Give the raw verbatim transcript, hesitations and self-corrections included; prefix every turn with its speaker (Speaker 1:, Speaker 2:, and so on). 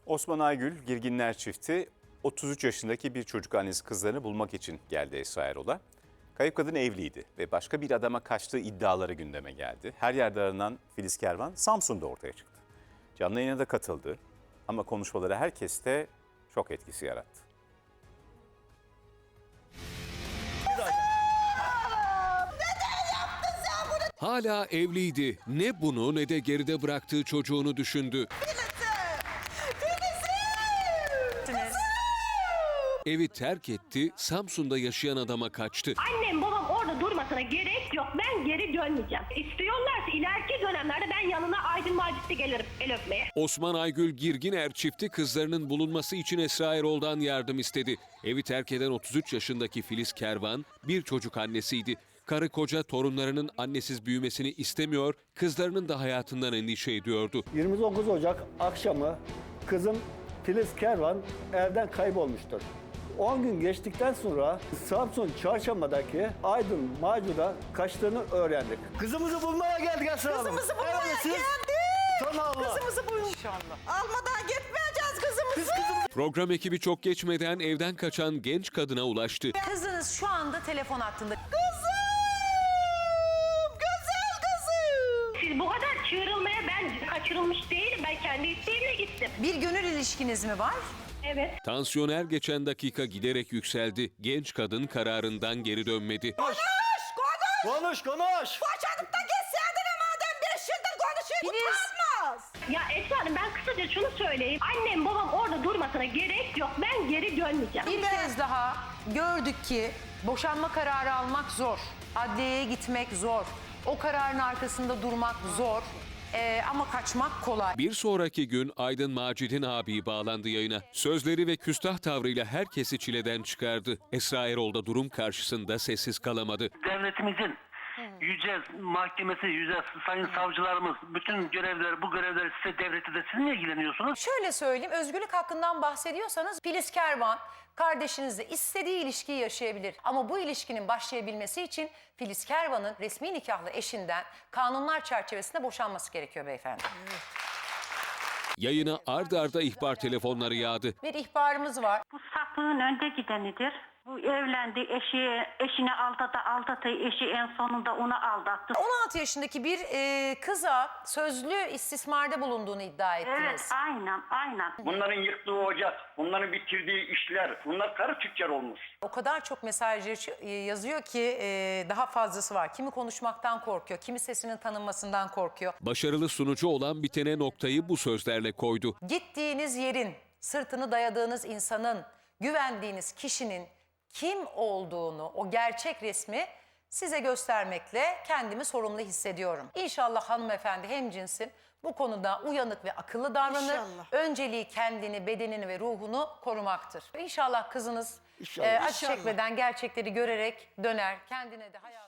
Speaker 1: Osman Aygül Girginler çifti otuz üç yaşındaki bir çocuk annesi kızlarını bulmak için geldi Esra Erol'a. Kayıp kadın evliydi ve başka bir adama kaçtığı iddiaları gündeme geldi. Her yerde aranan Filiz Kervan Samsun'da ortaya çıktı. Canlı yayına da katıldı ama konuşmaları herkeste şok etkisi yarattı.
Speaker 2: Hala evliydi. Ne bunu ne de geride bıraktığı çocuğunu düşündü. Evi terk etti, Samsun'da yaşayan adama kaçtı.
Speaker 3: Annem babam orada durmasına gerek yok. Ben geri dönmeyeceğim. İstiyorlarsa ileriki dönemlerde ben yanına Aydın Macit'te gelirim el öpmeye.
Speaker 2: Osman Aygül Girginer çifti kızlarının bulunması için Esra Erol'dan yardım istedi. Evi terk eden otuz üç yaşındaki Filiz Kervan bir çocuk annesiydi. Karı koca torunlarının annesiz büyümesini istemiyor, kızlarının da hayatından endişe ediyordu.
Speaker 4: yirmi dokuz Ocak akşamı kızım Filiz Kervan evden kaybolmuştur. on gün geçtikten sonra Samsun Çarşamba'daki Aydın Macit'e kaçtığını öğrendik. Kızımızı bulmaya geldik Esra Hanım.
Speaker 5: Kızımızı bulmaya
Speaker 4: Evet, siz-
Speaker 5: geldik.
Speaker 4: Tamam abla.
Speaker 5: Kızımızı bul. İnşallah. Almadan gitmeyeceğiz kızımızı.
Speaker 4: Biz kızım-
Speaker 2: Program ekibi çok geçmeden evden kaçan genç kadına ulaştı.
Speaker 5: Kızınız şu anda telefon hattında. Kızım! Güzel kızım!
Speaker 3: Siz bu kadar çığırılmaya ben kaçırılmış değilim. Ben kendi isteğimle gittim.
Speaker 5: Bir gönül ilişkiniz mi var?
Speaker 3: Evet.
Speaker 2: Tansiyon her geçen dakika giderek yükseldi. Genç kadın kararından geri dönmedi.
Speaker 4: Konuş,
Speaker 5: Konuş!
Speaker 4: konuş, konuş.
Speaker 5: Boşanıp da gitseydin madem beş yıldır konuşuyor. Utanmaz.
Speaker 3: Ya Esra Hanım ben kısaca şunu söyleyeyim. Annem babam orada durmasına gerek yok. Ben geri dönmeyeceğim.
Speaker 5: Bir kez daha gördük ki boşanma kararı almak zor. Adliyeye gitmek zor. O kararın arkasında durmak zor. Ee, ama kaçmak kolay.
Speaker 2: Bir sonraki gün Aydın Macit'in abi bağlandı yayına. Sözleri ve küstah tavrıyla herkesi çileden çıkardı. Esra Erol da durum karşısında sessiz kalamadı.
Speaker 6: Devletimizin yüce mahkemesi, yüce sayın savcılarımız, bütün görevler, bu görevler size devleti de siz mi ilgileniyorsunuz?
Speaker 5: Şöyle söyleyeyim, özgürlük hakkından bahsediyorsanız Filiz Kervan kardeşinizle istediği ilişkiyi yaşayabilir. Ama bu ilişkinin başlayabilmesi için Filiz Kervan'ın resmi nikahlı eşinden kanunlar çerçevesinde boşanması gerekiyor beyefendi.
Speaker 2: Yayına ard arda ihbar telefonları yağdı.
Speaker 5: Bir ihbarımız var.
Speaker 7: Bu sapığın önde gidenidir. Bu evlendi, eşi, eşini aldattı, aldattı, eşi en sonunda onu aldattı.
Speaker 5: on altı yaşındaki bir e, kıza sözlü istismarda bulunduğunu iddia ettiniz.
Speaker 7: Evet, aynen, aynen.
Speaker 8: Bunların yıktığı ocak, bunların bitirdiği işler, bunlar karı tüccar olmuş.
Speaker 5: O kadar çok mesaj yaş- yazıyor ki e, daha fazlası var. Kimi konuşmaktan korkuyor, kimi sesinin tanınmasından korkuyor.
Speaker 2: Başarılı sunucu olan bitene noktayı bu sözlerle koydu.
Speaker 5: Gittiğiniz yerin, sırtını dayadığınız insanın, güvendiğiniz kişinin kim olduğunu, o gerçek resmi size göstermekle kendimi sorumlu hissediyorum. İnşallah hanımefendi hemcinsim bu konuda uyanık ve akıllı davranır.
Speaker 9: İnşallah.
Speaker 5: Önceliği kendini, bedenini ve ruhunu korumaktır. İnşallah kızınız
Speaker 4: İnşallah.
Speaker 5: e, acı
Speaker 9: İnşallah.
Speaker 5: çekmeden gerçekleri görerek döner. Kendine de hayat